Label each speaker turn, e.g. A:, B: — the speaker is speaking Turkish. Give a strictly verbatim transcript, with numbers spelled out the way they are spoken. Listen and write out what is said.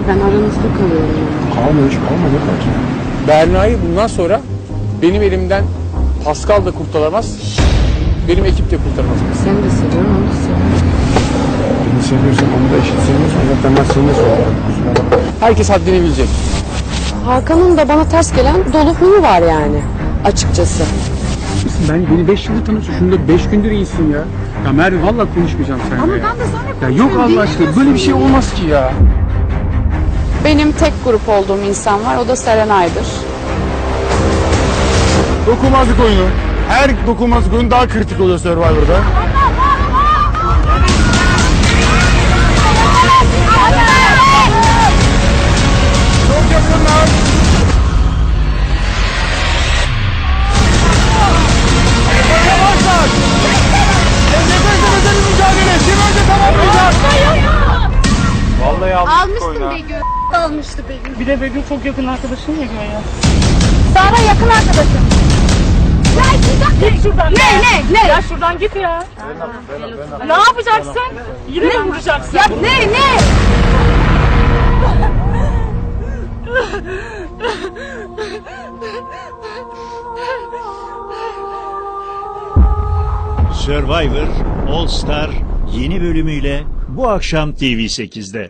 A: Ben aranızda kalıyorum.
B: Kalma hiç kalma ne kadar.
C: Berna'yı bundan sonra benim elimden Pascal da kurtaramaz, benim ekip de kurtaramaz.
A: Seni de seviyorum, onu da seviyorum.
B: Beni seviyorsan onu da eşit seviyorsan zaten ben seni de seviyorum.
C: Herkes haddini bilecek.
A: Hakan'ın da bana ters gelen dolu huyu var yani. Açıkçası.
D: Ben beni beş yıldır tanıyorsun. Şunda beş gündür iyisin ya. Ya Merve vallahi konuşmayacağım seninle.
A: Ama
D: ya.
A: ben de sana
D: Ya yok Allah aşkına böyle bir şey olmaz ki ya.
E: Benim tek grup olduğum insan var, o da Serenay'dır.
B: Dokunmazlık oyunu. Her dokunmazlık oyunu daha kritik oluyor Survivor'da. Çok yakınlar. Yavaşlar. Nefes nefese bir mücadele. Kim önce tamamlayacak? Vallahi almıştım oyuna.
F: Almıştı Begüm. Bir de Begüm çok yakın arkadaşın ya Göğe. Sara yakın arkadaşım. Ya şuradan git şuradan. Ne ne ne? Ya şuradan git ya. Ne yapacaksın? Yine mi vuracaksın? Ya ne ne?
G: Survivor All Star yeni bölümüyle bu akşam T V sekizde.